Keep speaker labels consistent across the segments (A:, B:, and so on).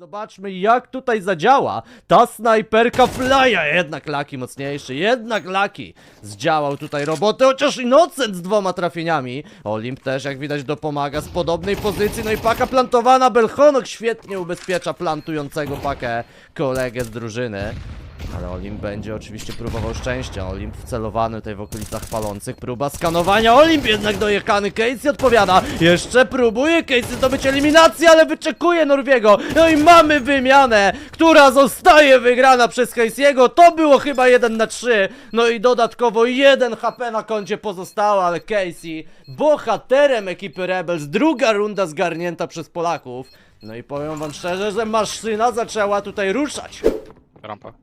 A: Zobaczmy, jak tutaj zadziała ta snajperka Flya. Jednak Lucky mocniejszy, jednak Lucky zdziałał tutaj robotę, chociaż Innocent z 2 trafieniami. Olimp też, jak widać, dopomaga z podobnej pozycji. No i paka plantowana, Belchonok świetnie ubezpiecza plantującego pakę kolegę z drużyny. Ale Olimp będzie oczywiście próbował szczęścia. Olimp wcelowany tutaj w okolicach palących. Próba skanowania. Olimp jednak dojechany. Casey odpowiada. Jeszcze próbuje Casey zdobyć eliminację, ale wyczekuje Norwiego. No i mamy wymianę, która zostaje wygrana przez Casey'ego. To było chyba 1-3. No i dodatkowo 1 HP na koncie pozostało, ale Casey bohaterem ekipy Rebels. Druga runda zgarnięta przez Polaków. No i powiem wam szczerze, że maszyna zaczęła tutaj ruszać.
B: Rampa.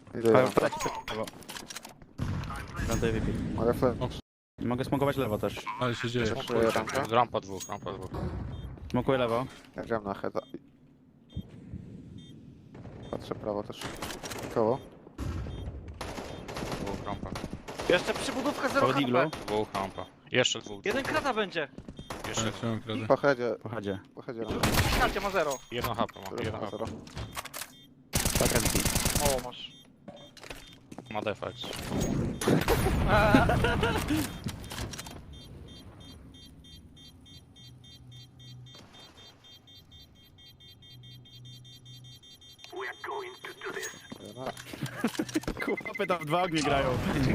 C: Mogę smokować lewo też.
D: Ale się dzieje.
B: Rampa dwóch.
C: Smokuję lewo.
E: Ja gram na heada. Patrzę prawo też. Koło.
B: Dwóch rampa.
F: Jeszcze przybudówka 0
C: Koło diglu.
F: HP.
B: Dwóch rampa. Jeszcze dwóch.
F: Jeden krata będzie.
B: Jeszcze
D: Ale trzymam kradę.
E: Po headzie.
C: Pochodzie.
E: Po headzie.
F: Karcie ma 0.
B: jedno HP ma. Jedno HP.
C: Taka zbi.
F: O, masz.
B: Ma defekt.
C: Chłopy tam w 2 ognie grają.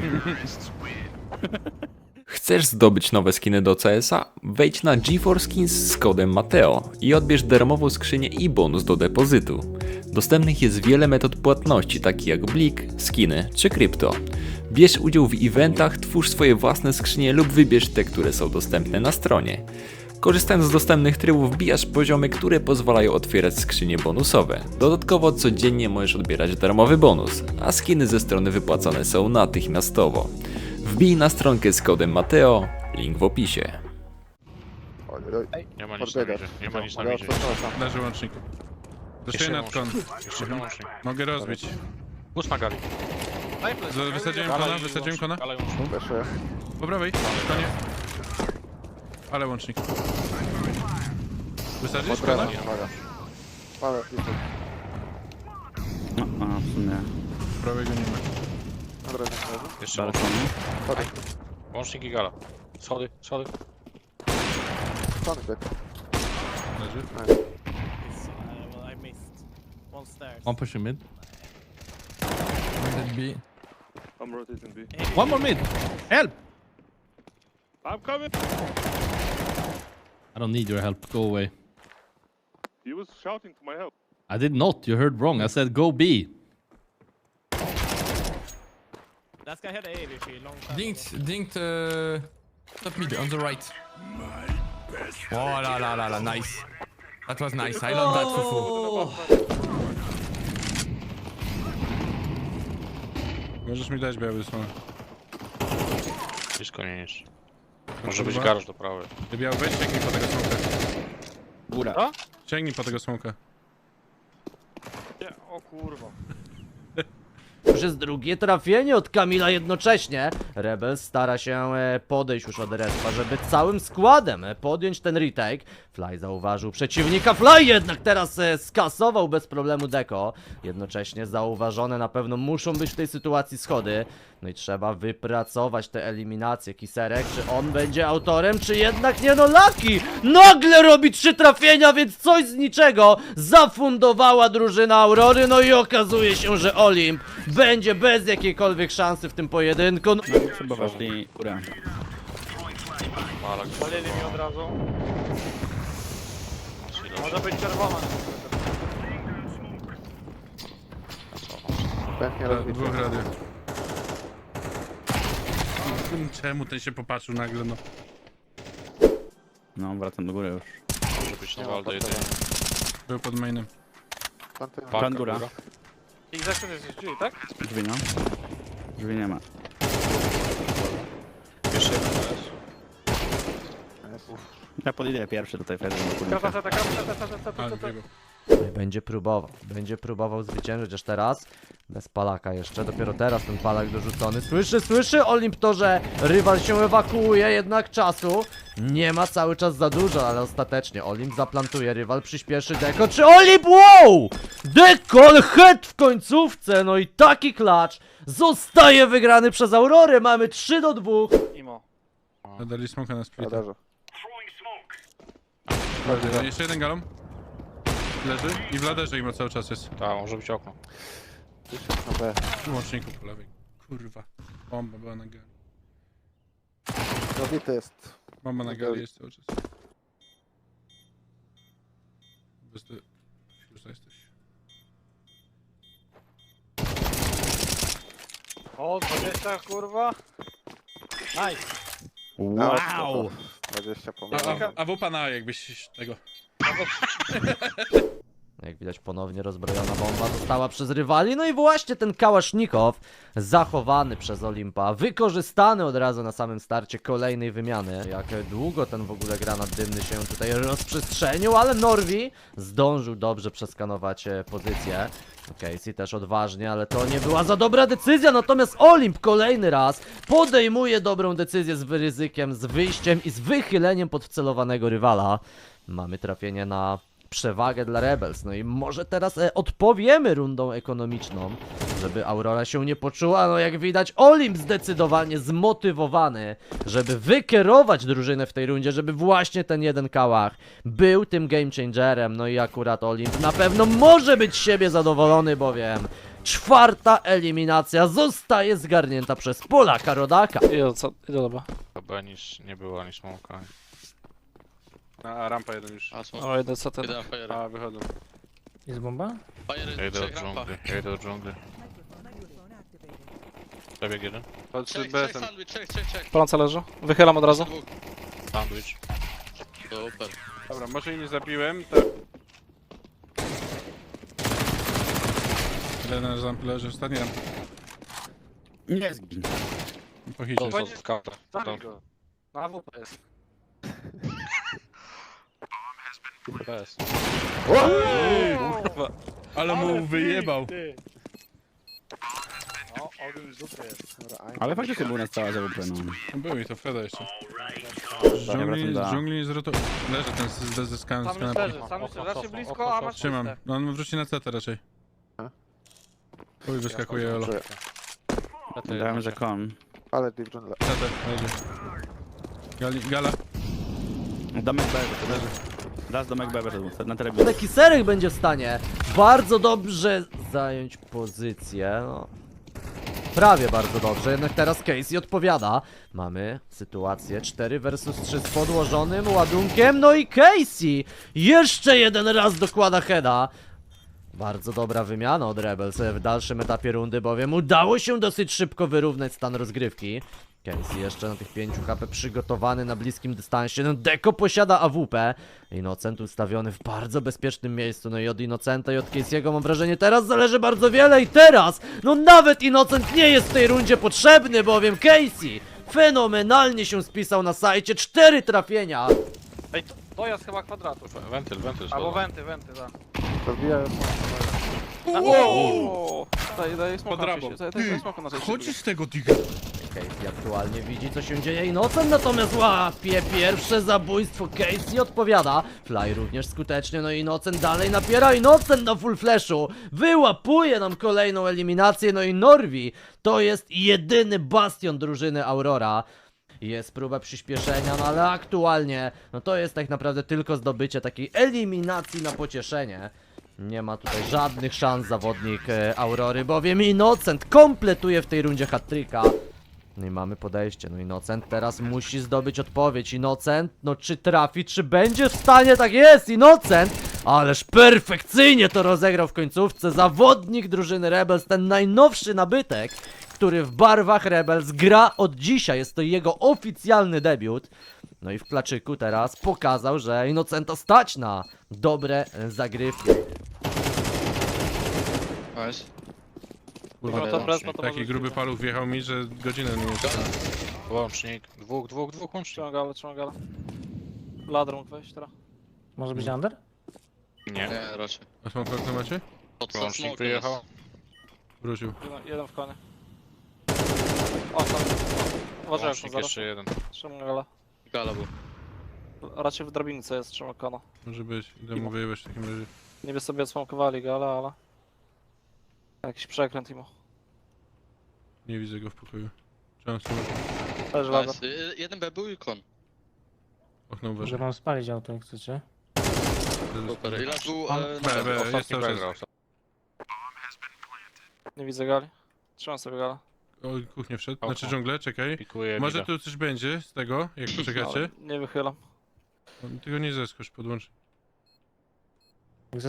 G: Chcesz zdobyć nowe skiny do CS-a? Wejdź na GeForce Skins z kodem Mateo i odbierz darmową skrzynię i bonus do depozytu. Dostępnych jest wiele metod płatności, takich jak Blik, skiny czy krypto. Bierz udział w eventach, twórz swoje własne skrzynie lub wybierz te, które są dostępne na stronie. Korzystając z dostępnych trybów wbijasz poziomy, które pozwalają otwierać skrzynie bonusowe. Dodatkowo codziennie możesz odbierać darmowy bonus, a skiny ze strony wypłacane są natychmiastowo. Wbij na stronkę z kodem Mateo, link w opisie.
E: Oj.
B: Nie ma nic na
E: Podbiega.
B: midzie. Nie ma nic na
E: Ale
B: midzie.
D: Leży łącznik. Dostaję nad kon.
B: Jeszcze łącznik.
D: Mogę rozbić.
B: Bus na gali.
D: Wysadziłem kona.
B: Ale łącznik.
E: Weszuję.
D: Po prawej. Konie. Ale łącznik. Wysadzisz
E: Pod
D: kona?
E: drewnem, uwaga. Ale jeszcze.
C: No, a w sumie.
D: Prawego nie ma.
E: Na drewnie leży.
B: Jeszcze
C: Balkon.
E: Schody.
B: łącznik i gala. Schody.
E: Schody bieg.
D: Leży.
F: I missed. One stairs.
H: One pushing mid. One dead B.
F: I'm rotating B.
H: One more mid. Help!
F: I'm coming!
H: I don't need your help. Go away.
F: He was shouting to my help.
H: I did not. You heard wrong. I said go B.
F: That guy had A VP long time.
H: Dinked top mid on the right. Oh la, nice. That was nice. I love that fufu.
D: Możesz mi dać biały smak.
B: Blisko nie niż. Może być garaż do prawej.
D: Ty biały, weź sięgnij po tego smoka.
C: Góra.
F: Co?
D: Sięgnij po tego smoka.
F: Nie, o kurwa.
A: Już jest drugie trafienie od Kamila jednocześnie. Rebels stara się podejść już od respa, żeby całym składem podjąć ten retake. Fly zauważył przeciwnika. Fly jednak teraz skasował bez problemu Deko. Jednocześnie zauważone na pewno muszą być w tej sytuacji schody. No i trzeba wypracować te eliminacje. Kiserek, czy on będzie autorem, czy jednak nie? No Lucky nagle robi 3 trafienia, więc coś z niczego zafundowała drużyna Aurory. No i okazuje się, że Olimp będzie bez jakiejkolwiek szansy w tym pojedynku. No,
C: Chyba weszli górę.
B: Malak.
F: Palili mi od razu. Może być czerwona.
E: Pęknie rozbity.
D: Dwóch radio. Czemu ten się popatrzył nagle, no?
C: No, wracam do góry już.
B: Może być na waldę jedynie.
D: Był pod mainem.
E: Planty.
C: Plan góra.
F: I zakres jest drzwi, tak?
C: Drzwi no. Drzwi nie ma.
B: Jeszcze jeden jest.
C: Ja podejdę pierwszy tutaj, Fred.
F: Krata, krata, krata, krata, krata,
D: Ale
F: krata.
D: biegł.
A: No i będzie próbował zwyciężyć aż teraz. Bez palaka jeszcze, dopiero teraz ten palak dorzucony. Słyszy Olimp to, że rywal się ewakuuje, jednak czasu nie ma cały czas za dużo, ale ostatecznie Olimp zaplantuje, rywal przyspieszy Deko, czy Olimp, wow! Dekol head w końcówce, no i taki klacz zostaje wygrany przez Aurorę, mamy 3-2.
F: Imo.
D: Dali smoka na split.
E: Radarze.
D: Jeszcze jeden galon. Leży i w laderze im cały czas jest.
B: Tak, może być okno.
E: Na B.
D: W łączniku po lewej. Kurwa. Bomba była na gali.
E: Zabity jest.
D: Bomba na gali jest cały czas. Bez ty... Już jesteś.
F: O, 20 kurwa. Nice.
C: Wow!
E: 20
D: A,
E: pomysł.
D: a wupa na jakbyś tego...
A: Jak widać ponownie rozbrojona bomba została przez rywali, no i właśnie ten kałasznikow zachowany przez Olimpa, wykorzystany od razu na samym starcie kolejnej wymiany. Jak długo ten w ogóle granat dymny się tutaj rozprzestrzenił, ale Norwi zdążył dobrze przeskanować pozycję. Casey też odważnie, ale to nie była za dobra decyzja, natomiast Olimp kolejny raz podejmuje dobrą decyzję z ryzykiem, z wyjściem i z wychyleniem podcelowanego rywala. Mamy trafienie na przewagę dla Rebels, no i może teraz odpowiemy rundą ekonomiczną, żeby Aurora się nie poczuła, no jak widać Olimp zdecydowanie zmotywowany, żeby wykierować drużynę w tej rundzie, żeby właśnie ten jeden kałach był tym game changerem, no i akurat Olimp na pewno może być z siebie zadowolony, bowiem 4. eliminacja zostaje zgarnięta przez Polaka Rodaka.
B: Chyba nic nie było, ani smoka.
D: A rampa jeden już.
B: O, jeden CT.
D: A, wychodzą.
I: Jest bomba?
B: Ja idę do dżungli, Przebieg jeden.
D: Patrzy BSM.
F: Paląca leży. Wychylam od razu.
B: Sandwich.
D: Dobra, może i nie zabiłem, tak. Jeden ramp leży, ostatni ramp.
C: Nie zgin.
D: Po hicie.
B: To jest counter.
F: Zabij go. Na AWP jest.
B: PS.
D: Ale mu wyjebał.
F: No, ogień z dupy jest.
C: Ale faktycznie był na cała zawód, no.
D: Był i to Freda jeszcze.
C: wracam do A.
D: Z dżungli nie zrotował. Leży ten ze
F: Sam
D: kanapy.
F: już leży, sam już raczej blisko, a masz
D: Trzymam.
F: puste.
D: No on wróci na CT raczej. Uj, wyskakuje Olo.
C: Dałem, że kon.
E: Ale deep jungle.
D: CT, leży. Gala.
C: Domek B, to leży. Raz domek B wyszedł, na telebicie.
A: Taki serek będzie w stanie bardzo dobrze zająć pozycję, no. Prawie bardzo dobrze, jednak teraz Casey odpowiada. Mamy sytuację 4 versus 3 z podłożonym ładunkiem, no i Casey jeszcze jeden raz dokłada heada. Bardzo dobra wymiana od Rebels w dalszym etapie rundy, bowiem udało się dosyć szybko wyrównać stan rozgrywki. Casey jeszcze na tych 5 HP przygotowany na bliskim dystansie. No Deko posiada AWP. Innocent ustawiony w bardzo bezpiecznym miejscu. No i od Innocenta i od Casey'ego mam wrażenie teraz zależy bardzo wiele i teraz no nawet Innocent nie jest w tej rundzie potrzebny, bowiem Casey fenomenalnie się spisał na sajcie. 4 trafienia.
F: Ej, to jest chyba kwadratu.
B: Wentyl
F: Albo
B: schodzą.
F: wenty, tak.
E: Rozbijają.
F: Wow! Daję
D: Pod rabą.
F: daj smoka na
D: Chodzi z tego digga.
A: Casey aktualnie widzi, co się dzieje. Innocent natomiast łapie pierwsze zabójstwo. Casey odpowiada. Fly również skutecznie, no i Innocent dalej napiera. Innocent na full flashu wyłapuje nam kolejną eliminację. No i Norwi to jest jedyny bastion drużyny Aurora. Jest próba przyspieszenia, no ale aktualnie no to jest tak naprawdę tylko zdobycie takiej eliminacji na pocieszenie. Nie ma tutaj żadnych szans zawodnik Aurory, bowiem Innocent kompletuje w tej rundzie hat-tricka. No i mamy podejście, no Innocent teraz musi zdobyć odpowiedź. Innocent, no czy trafi, czy będzie w stanie, tak jest, Innocent! Ależ perfekcyjnie to rozegrał w końcówce zawodnik drużyny Rebels, ten najnowszy nabytek, który w barwach Rebels gra od dzisiaj, jest to jego oficjalny debiut. No i w klaczyku teraz pokazał, że Innocenta stać na dobre zagrywki.
B: Kurwa,
D: Taki gruby paluch wjechał mi, że godzinę nie jest.
B: Łącznik. Dwóch łącznik.
F: Trzymam galę. Ladrą mógł wejść teraz.
I: Może być under?
B: Nie.
I: Nie, raczej.
D: A smoke okno macie?
I: Pod
B: Łącznik
I: smoke
B: wyjechał.
D: Wrócił.
F: Jeden w konie. O, tam. Uważaj, jak
B: Łącznik
F: zaraz.
B: jeszcze jeden.
F: Trzymam gala.
I: Gala był.
F: Raczej w drabince jest, trzymam kona.
D: Może być. Idę mu wyjebać w takim razie.
F: Niby sobie odsmokowali gala, ale... Jakiś przekręt imo.
D: Nie widzę go w pokoju. Trzeba smoke.
F: Też lada.
I: Nice. Jeden B był i kon.
D: Okno
J: Może
D: uważaj.
J: mam spalić auto, jak chcecie.
I: Super. I last był
D: B, B, jest
B: Ostatni
D: cały
B: B
D: czas.
B: grał.
F: Nie widzę gali. Trzymam sobie gala.
D: O, kuchnię wszedł.
B: Okno.
D: Znaczy dżunglę, czekaj.
B: Pikuje
D: Może
B: mida.
D: tu coś będzie z tego, jak poczekacie.
F: Ale nie wychylam.
D: Tylko nie zeskocz, podłącz.
J: Jak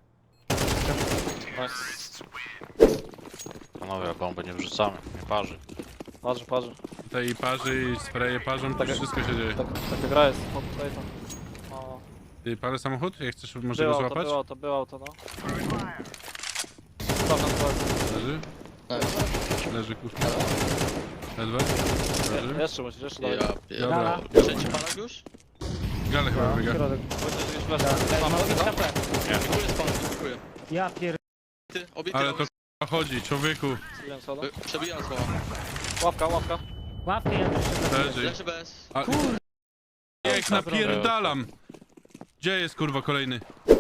F: Nice.
B: Panowie, bomby nie wrzucamy, nie parzy.
F: Parzy.
D: Tutaj i parzy, i spreje parzą, to
F: Tak.
D: wszystko się dzieje.
F: Taka gra jest. O, tutaj to. O,
D: Ty, parę samochód? Jak chcesz, może go złapać?
F: było auto, no. Tam na dole.
D: Leży?
I: Nice.
D: Leży kuchnia. Ledwo? Leży?
F: Jeszcze musisz, jeszcze dalej.
I: Ja pierdolę.
D: Dobra.
I: Trzeci palak już?
D: Gale chyba wybiega.
J: Środek.
F: Będziesz gdzieś flash. Mam HP.
I: Dziękuję spawn, dziękuję.
J: Ja pier...
I: Ty, obity.
D: Ale to k***a chodzi, człowieku.
F: Zbiłem soda.
I: Przebijam słowa.
F: Łapka.
J: Łapkę ja też
D: Leży.
I: Leży bez.
D: A... Jak napierdalam! Gdzie jest kurwa kolejny?